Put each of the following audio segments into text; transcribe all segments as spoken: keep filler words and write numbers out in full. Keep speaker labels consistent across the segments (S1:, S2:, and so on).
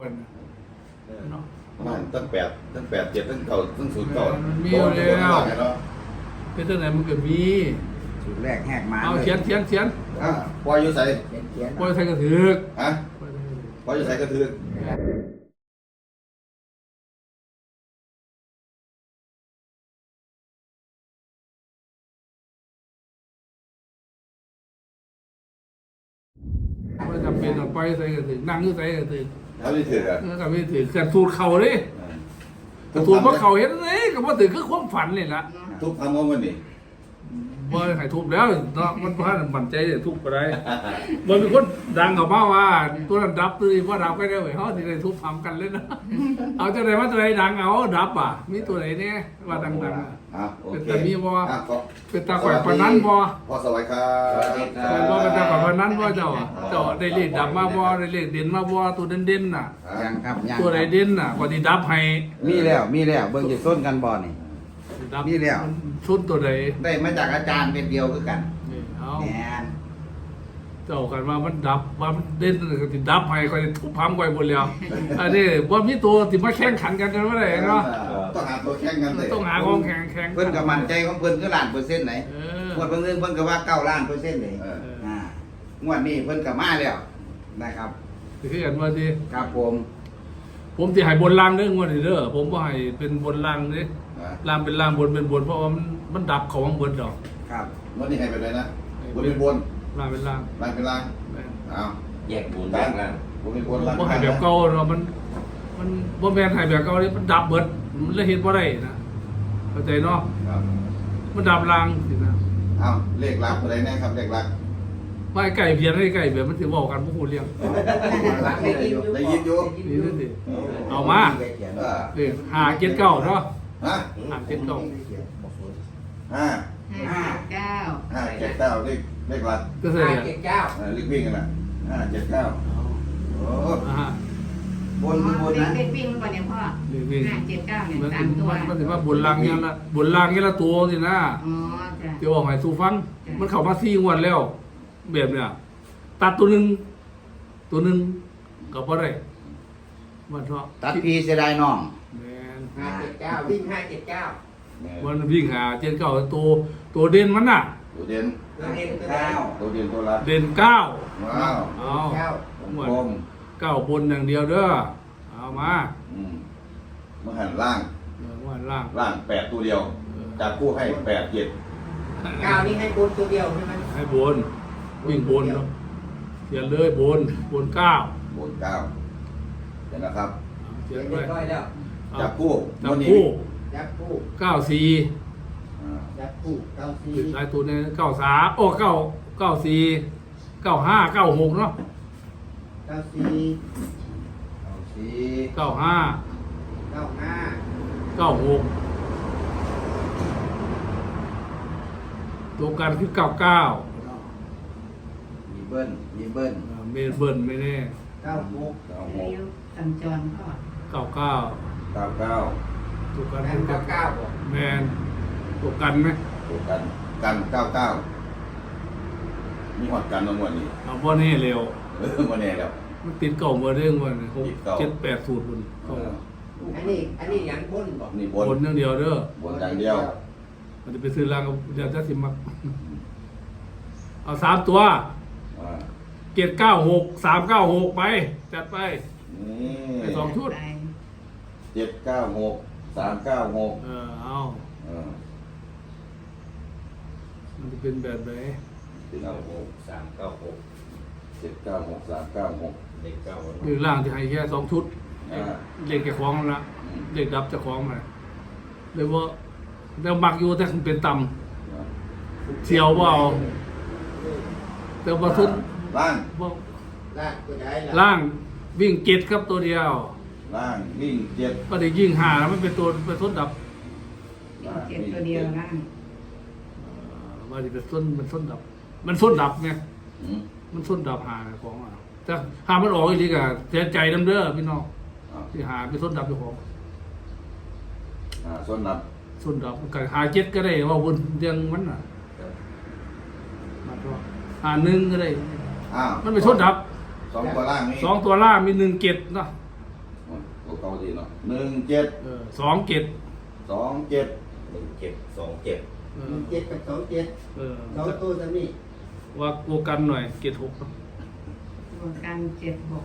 S1: เนาะ
S2: มันตั้งแปดตั้งแปดเจ็ดตั้งเก่าตั้งศูนย์เก่า
S1: มันมีอยู่แล้ว
S2: เนาะ
S1: เป็นตั้งไหนมันก็มี
S3: สูตรแรกแหกมา
S1: เอาเขียนเขียนเขียน
S2: อ่ะปล่อยอยู่ใส่
S3: เขียนเขียน
S1: ปล่อยใส่กระถือก
S2: ฮะปล่อยอยู่ใส่กระถือ
S1: ว่าจำเป็นต้องปล่อยใส่กระถือนั่งอยู่ใส่กระถือ
S2: เขาไม่ถืออ่ะ
S1: เออกับไม่ถือเกิดสูตรเข่าเลยกระสูตรเพราะเข่าเห็นเลยกับว่าถือคือความฝันเลยละ
S2: ทุกคำว่ามันนี่
S1: ว่าใครทุบแล้วเนาะมันพลาดมันใจจะทุบไปได้มันเป็นคนดังกับมาว่าตัวนั้นดับตัวนี้ว่าดับก็ได้เหมือนเขาที่ได้ทุบทำกันเลยนะเอาจะไหนว่าตัวไหนดังเอาดับอ่ะมีตัวไหนเนี่ยว่าดังๆอ่ะ
S2: อ่ะโอเค
S1: เป็นแต่มีบ่
S2: อ่ะขอ
S1: เป็นตาข่อยปานนั้นบ่
S2: พ่อสวัสดีครับ
S1: เป็นบ่เป็นตาข่อยปานนั้นบ่เจ้าเจ้าได้เลขดับมาบ่ได้เลขเด่นมาบ่ตัวเด่นๆน่ะ
S3: ยังครับยัง
S1: ตัวไหนเด่นน่ะก็สิดับให้
S3: มีแล้วมีแล้วเบิ่งจะส้นกันบ่นี่
S1: ดับ
S3: มีแล้ว
S1: ชุดตัวใด
S3: ได้มาจากอาจารย์เป็นเดียวคือกัน
S1: นี่เอา
S3: แหน
S1: เจ้ากันว่ามันดับว่ามันเด่นก็สิดับให้ก็สิทุบพังไว้หมดแล้วอันนี้บ่มีตัวที่มาแข่งขันกันกันบ่ได้เนาะ
S2: ต้องหาตัวแข่งกันเลย
S1: ต้องหาของแข่งแข่ง
S3: เพิ่นก็มั่นใจของเพิ่นคือล้านเปอร์เซ็นต์ไหน
S1: เออง
S3: วดเพิ่นเพิ่นก็ว่าเก้าล้านเปอร์เซ็นต์เลย
S2: เออ
S3: อ่างวดนี้เพิ่นก็มาแล้วนะครับ
S1: คือกันว่าสิ
S3: ครับผม
S1: ผมสิให้บนล่างเด้องวดนี้เด้อผมบ่ให้เป็นบนล่างเด้
S2: อ่ะ
S1: ล่างเป็นล่างบนเป็นบนเพราะว่ามันมันดับเขาของเบิดดอก
S3: ครับ
S2: วันนี้ให้ไปเลยนะบนเป็นบน
S1: ล่างเป็นล่าง
S2: ล่างเป็นล่าง
S1: แม่น
S2: เอา
S4: แยกบุญแยกล่าง
S2: บนเป็นบ
S1: บ่
S2: นล่าง
S1: บ่ให้แบบเก่าเนาะมัน มันบ่แม่นให้แบบเก่านี่มันดับเบิดมันเลยเฮ็ดบ่ได้นะเข้าใจเนาะ
S2: ครับ
S1: มันดับล่างสินะ
S2: เอาเลขลักอะไรแน่ครับเลขลัก
S1: ว่าไอ้ไก่เพียนไอ้ไก่เพียนมันสิเว้ากันบ่ฮู้เรื่อง
S3: ได้ยินอยู่
S2: ได้ยินอยู่
S1: นี่นั่นสิเอามา
S2: เออ
S1: เอ้ห้าเจ็ดเก้าเนาะ
S2: ฮะ
S1: ห้าเจ็ดเก้า
S2: ห้า
S5: ห้าเก้า
S2: ห้าเจ็ดเก้าเลขเลขลัก
S1: ก็เสีย
S4: ห้าเจ็ดเก้า
S2: เออเลขวิ่งกันนะห้าเจ็ดเก้าโอ้
S1: อ่า
S3: บนคือบนนะ
S5: เด็กวิ่งก่อนเนี่ยพ่อ
S1: เลขวิ่ง
S5: ห้าเจ็ดเก้าเนี่ย
S1: มัน
S5: สามตัว
S1: มันสิว่าบนล่างเนี่ยละบนล่างเนี่ยละตัวสินะ
S5: อ๋อจ้ะ
S1: เดี๋ยวบอกให้สู้ฟัง มันเข้ามาสี่งวดแล้ว แบบเนี้ยตัดตัวหนึงตัวหนึงก็บ่ได้มันเถาะ
S3: ตัดพีเสียดายน้อง
S1: แม่น
S4: ห้าเจ็ดเก้าวิ่งห้าเจ็ดเก้า
S1: มันวิ่งหาเจ็ดเก้าตัวตัวเด่นมันน่ะ
S2: ตัวเด่น
S4: ตัวเด่นตัว
S3: เก้า
S2: ตัวเด่นตัวลัก
S1: เด่นเก้า
S2: ว้าว
S1: เอา
S4: เก้า
S1: หมด
S2: กลม
S1: เก้าบนอย่างเดียวเด้อเอามา
S2: อืมมาหันล่าง
S1: เออว่าล่าง
S2: ล่างแปดตัวเดียวจับคู่ให้แปดเจ็ด
S4: เก้านี่ให้บุญตัวเดียวใช่ไหม
S1: ให้บนวิ่งบนเนาะเขียนเลยบนบนเก้า
S2: บนเก้าเดี๋ยวนะครับ
S1: เขี
S4: เรี
S1: ย
S4: ย
S1: น
S4: บ
S1: ไว้
S4: ร้อยแล้ว
S1: เอา
S2: จับคู่
S1: จับ
S2: วันนี้
S1: คู่
S4: ยับคู่
S1: เก้าสี่
S2: อ่า
S4: ยับคู่เก้าสี่
S1: ติดหลายตัวเนี่ยเก้าสามโอ้เก้าเก้าสี่เก้าห้าเก้าหกเนาะ
S4: เก้าสี่
S3: เอาสี
S1: เก้าห้า
S4: เก้าห้า
S1: เก้าหกตัวกันคือเก้าเก้า
S3: มีเบิ้ลมีเบิ้ล
S1: เมนเบิร์นไม่แน่
S4: เก้าหก
S2: เก้าห
S5: เลี้
S2: ก
S5: ยวสัญจรพ่อ
S1: เก้าเก้า
S2: เก้าเก้า
S1: ตัวกัน
S4: แป
S1: คือ
S4: ดเก้า
S1: เก้า
S4: เก้าบอก
S1: แมนตัวกันไหม
S2: ตัวกันกันเก้าเก้ามีหอดกันทั้งหมดนี่
S1: เอาบ่แน่เร็ว
S2: เออมาแน่แล้ว
S1: มันติดเก่าเมื่อเรื่องวันหก
S2: ติดเก่า
S1: เจ็ดแปดสูตรคน
S2: เอ
S1: เก่า
S2: อ
S4: อันนี้อันนี้ยังบนบอก
S2: นี่บบ น
S1: นอย่างเดียวเด้อบ
S2: นอย่างเดียว
S1: มันจะไปซื้อรางกับเดี๋ยวจะสิมักเอาสามตัว
S2: อ่า
S1: เจ็ดเก้าหกสามเก้าหกไปจัดไป
S2: นี่
S1: ไปสองชุด
S5: ไป
S2: เจ็ดเก้าหกสามเก้าหก
S1: เออเอา
S2: เออ
S1: มันจะเป็นแบบไหน
S4: เก้าหกสามเก้าหก
S2: เจ็ดเก้าหกสามเก้าหก
S4: เลขเก้า
S1: หรือล่างจะให้แค่สองชุด
S2: อ่า
S1: เลขแกคล้องละเลขดับจะคล้องมาเลยว่าเดี๋ยวมักอยู่แต่มันเป็นต่ำเสียวว่าเอาแต่ว่าทุน
S2: ล่าง
S1: ว่า
S4: ล่างตัวใด
S1: ล่างวิ่งเจ็ดครับตัวเดียว
S2: ล่างวิ่งเจ็ด
S1: ก็ได้ยิ่งหาแล้วมันเป็นตัวเป็นทุนดับ
S2: ล่าง
S5: เจ็ดตัวเดียวล่าง
S1: เอ่อว่าจะเป็นต้นมันต้นดับ มันต้นดับไง
S2: อืม
S1: มันต้นดับหาของอ่ะแต่หามันออกอีกทีก็เสียใจน้ำเด้อพี่น้อง
S2: อ่า
S1: ที่หาเป็นต้นดับเจ้าของ
S2: อ่าส่วนนับ
S1: ต้นดับก็หาเจ็ดก็ได้ว่าวนเรียงมันอ่ะมันก็หาหนึ่งก็ได้
S2: อ้าว
S1: มันเป็นต้นดับ
S2: สองตัวล่างนี่
S1: สองตัวล่างมีหนึ่งเจ็ดเนาะ
S2: อตัวเก่าดีเนาะหนึ่งเจ็ด
S1: เออสองเจ็ด
S2: สองเจ็ด
S4: หนึ่งเจ็ดสองเจ็ด
S1: เอ
S4: หนึ่
S1: อง
S4: เจ็ดกับสองเจ็ด
S1: เออ
S4: สองตัวจะนี่
S1: ว่ากูกันหน่อยเจ็ดหก
S5: รวมกันเจ็ดหก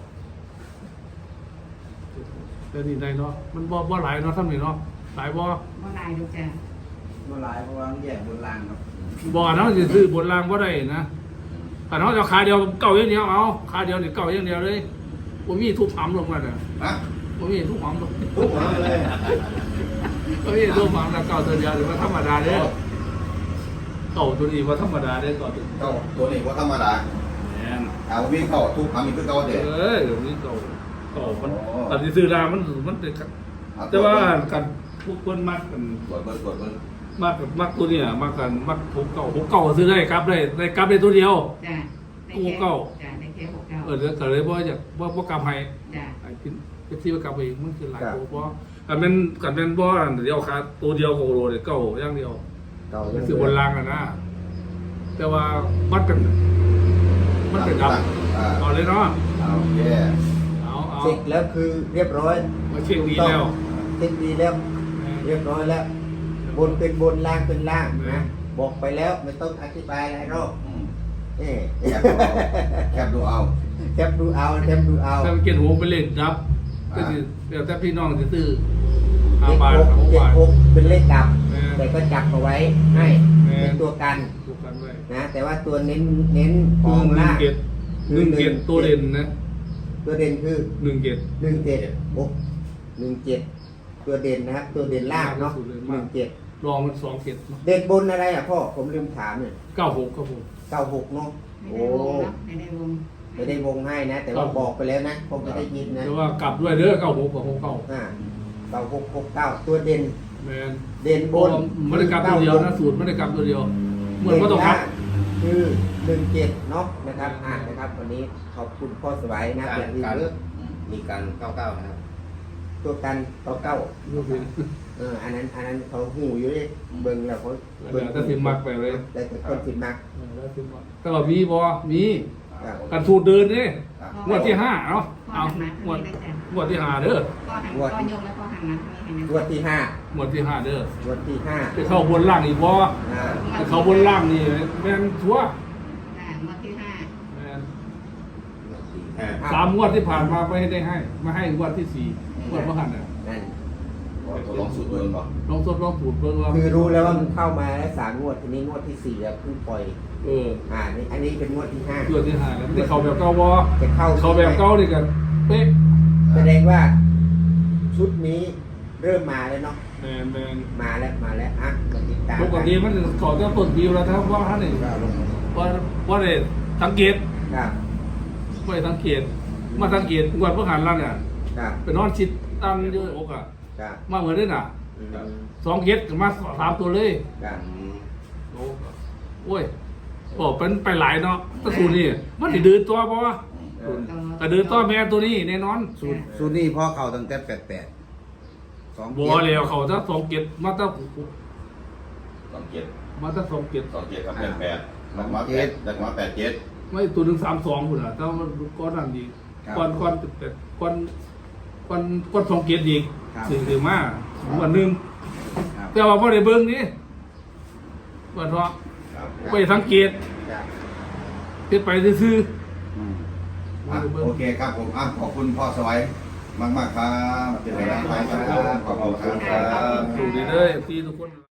S1: แต่นี่ได้เนาะมันบ่บ่หลายเนาะท่านนี่เนาะหลายบ่
S5: บ่ลายดูจ้ะ
S3: เมื่อไรเพราะว่ามันแยกบนล่างครับ
S1: บ่เนาะสิซื้อบนรางบ่ได้นะถ้าเนาะจะขาเดียวเก่าอย่างเดียวเอาขาเดียวนี่เก่าอย่างเดียวเลยบ่มีทุบหำลงมาน่ะ
S2: ฮะ
S1: บ่มีทุบหำลง
S2: ทุกคนเลย
S1: บ่มีทุบหำแล้วเก่าตัวเดียวหรือว่าธรรมดาเด้อเก่าตัวนี้ว่าธรรมดาเด้อก่อน
S2: เก่าตัวนี้ว่าธรรมดา
S1: แม่น
S2: เอาวิ่งเข้าทุกคำอีกคือเก่าเด็ด
S1: เอ้ยเดี๋ยวนี้เก่าเก่ามัน
S2: โอ้
S1: ตอนที่ซื้อรามันมันเป็นแต่ว่ากันพวกคนมักกัน
S2: กดเบอร์กดเบอร์
S1: มักมักตัวเนี่ยมักกันมักหกเก่าหกเก่าซื้อได้ครับได้ได้กลับได้ตัวเดียว
S5: จ้ะได้
S1: ห
S5: แค่
S1: กเก้า
S5: จ้ะได้แค่หกเก้า
S1: เออเดี๋ยวก็เลยบ่อยากบ่บ่กลับให้
S5: จ้ะ
S1: ไอ้ที่เป็นที่ว่ากลับไปอีกมันคือหลายตัวบ่กันเป็นกันเป็นบ่อันเดียวครับตัวเดียวโคโลเนี่ยเก่าอย่างเดียว
S3: เก่า
S1: มันคือบนรางอะนะแต่ว่ามันเป็นมันเป็นดับ
S2: อ่า
S1: เอาเลยเนาะ
S2: เอาโอเค
S1: เอาเอา
S4: เสร็จแล้วคือเรียบร้อย
S1: มาเช็คดีแล้ว
S4: เช็คดีแล้ว เรียบร้อยแล้ว บนเป็นบนล่างเป็นล่างนะบอกไปแล้วไม่ต้องอธิบายอะไรหรอก
S2: อืม
S4: นี่
S2: แคบดูเอาแคบดูเอา
S4: แคปดูเอาแคปดูเอา
S1: ถ้าเกียรติหัวไปเล่นดับก็คือเดี๋ยวแต่พี่น้องจะซื้อ
S4: เล
S1: ห้า
S4: ข
S1: บาท
S4: หก
S1: สอง
S4: เจ็ด
S1: บาท
S4: หกเป็นเลขดับ
S1: แม่
S4: แต่ก็จับเอาไว้ให้
S1: แม่
S4: เป็นตัวกัน
S1: ถูกกันไว้
S4: นะแต่ว่าตัวเน้นเน้นข
S1: คือ
S4: อง
S1: หนึ่ง
S4: ล่าง
S1: เกียรติหนึ่งเกียรติตัวเด่นนะ
S4: ตัวเด่นคือ
S1: หนึ่งเกียรติ
S4: หนึ่งเจ็ดหกหนึ่งเจ็ดตัวเด่นนะครับ ตัวเด่นล่างเนาะหนึ่งเจ็ด
S1: รองมันสองเกียรติเนาะ
S4: เด่นบนอะไรอ่ะพ่อผมลืมถามเนี่ย
S1: เก้าหกครับผม
S4: เก้าหกเนาะ
S5: ไม่
S4: โอ้
S5: ได้วงเนาะไม่ได้วง
S4: ไม่ได้วงให้นะ แต่ว่าบอกไปแล้วนะผมไม่ได้ยินนะ
S1: แต่ว่ากลับด้วยเด้อเก้าหกกับหกเก้า
S4: อ่าเก้าหกหกเก้าตัวเด่น
S1: แมน
S4: เด่นบน
S1: ไม่ได้กลับตัวเดียวนะสูตรไม่ได้กลับตัวเดียว เหมือนว่าต้องกลับ
S4: คือหนึ่งเจ็ดเนาะนะครับอ่านนะครับวันนี้ขอบคุณพ่อสวัยนะ
S3: การ
S4: เป็นที่
S3: การ
S4: เลือก
S3: มีการเก้าเก้านะครับ
S4: ตัวกันเก้าเก้า
S1: ดูสิ
S4: เอออันนั้นอันนั้นเขาหูอยู่เลยเบิ่งแล้วเขา
S1: เดี๋ยวถ้าสิมักไปเลย
S4: แต่คนสิมัก
S1: เออแล้วสิมักแต่ว่ามีบ่มี
S4: ครับ
S1: กันสูตรเดินนี่
S2: ครับ
S1: งวดที่ห้าเนาะ
S5: พ่อ
S1: เอา
S5: หันมาง
S1: วด
S5: ทางนี้ได้จ้ะ
S1: งวดที่ห้าเด้อ
S5: พ่อหันพ่อยกแล้วพ่อหันมาทางนี้ให้นะ
S4: งวดที่ห้าง
S1: วดที่ห้าเด้อ
S4: งวดที่ห้า
S1: ไปเข้าบนล่างอีกบ่
S4: อ่า
S1: ไปเข้าบนล่างนี่แม่นชัวร์
S5: จ้ะงวดที่ห้า
S1: แม่น
S3: สี่ห้า
S1: สามงวดที่ผ่านมาไม่ได้ให้มาให้งวดที่สี่งวดเมื่อหันน่ะ
S4: นั่น
S2: ตัวลองสูตรเดินก่อน
S1: ลองทดลองสูตรเบิ่งว่า
S4: คือรู้แล้วว่ามันเข้ามาแล้วสามงวดทีนี้งวดที่สี่แล้วเพิ่งปล่อย
S1: เออ
S4: อ่านี่อันนี้เป็นงวดที่ห้าง
S1: วดที่ห้าแล้วได้เข้าแบบเก่าบ่
S4: จะเข้า
S1: เข้าแบบเก่านี่กันเป๊ะ
S4: แสดงว่าชุดนี้เริ่มมาแล้วเนาะ
S1: แม่นแม่น
S4: มาแล้วมาแล้วอ่ะมาติดตาม
S1: ปกติมันเขาจะต้นปีแล้วครับว่าท่านนี่ว่าว่าได้สังเกต
S4: ครับ
S1: ไม่ได้สังเกต มาสังเกตงวดเมื่อหันล่างเนี่ย
S4: ครับ
S1: ไปนอนชิดตั้งเยอะอกอ่ะ
S4: ครับ
S1: มาเหมือนได้น่ะ
S4: อืม
S1: สองเกตมาสามตัวเลย
S4: ครับ
S1: โอ้โอ้ยโอ้เป็นไปหลายเนาะตะสูนี่มันสิเดินตัวบ่วะแต่เดินตัวแม่ตัวนี้แน่นอน
S3: สูตรสูตรนี้พ่อเข่าตั้งแต่แปดแปดสอง
S1: บัวแล้วเขาจะสองเกตมาตั้ง
S2: สองเจ็ด
S1: มาตั้งสองเกต
S2: สองเจ็ดกับแปดแปดนักมาแปดนักมาแปดเจ็ด
S1: ไม่ตัวหนึ่งสามสองคุณอ่ะแต่ว่ามันก้อนนั่นดีก้อนก้อนแต่ก้อนก้อนก้อนสองเกตอีกสี่ถึงมาวันหนึ่ง
S3: ครับ
S1: แต่ว่าพอได้เบิ้งนี่ว่าเพราะ
S2: ครับ
S1: ไปสังเกต
S4: ครับ
S1: เฮ็ดไปซื่อ
S3: อืม
S1: ๆ
S2: อ่ะโอเคครับผมอ่ะขอบคุณพ่อสวัยมากมากๆครับเป็นกำลังใจครับขอบคุณครับ
S1: สู่ดีเด้อพี่ทุกคน